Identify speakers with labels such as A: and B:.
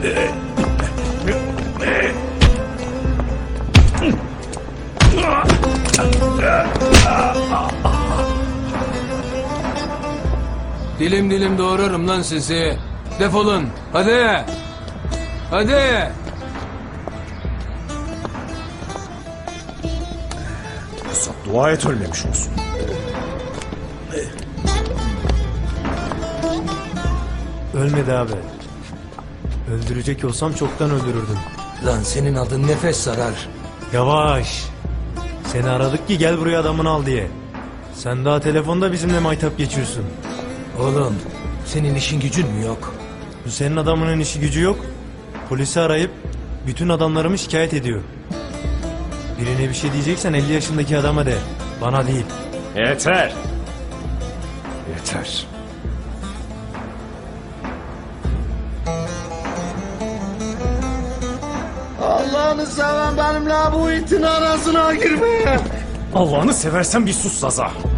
A: Dilim dilim doğrarım lan sizi. Defolun. Hadi. Hadi.
B: Pusat, dua et ölmemiş olsun.
C: Ölmedi abi. Öldürecek olsam çoktan öldürürdüm.
A: Lan senin adın nefes sarar.
C: Yavaş. Seni aradık ki gel buraya adamını al diye. Sen daha telefonda bizimle maytap geçiyorsun.
A: Oğlum senin işin gücün mü yok?
C: Bu senin adamının işi gücü yok. Polisi arayıp bütün adamlarımı şikayet ediyor. Birine bir şey diyeceksen 50 yaşındaki adama de. Bana değil.
B: Yeter. Yeter.
D: Allah'ını seven benimle bu itin arasına girme.
B: Allah'ını seversen bir sus Zaza.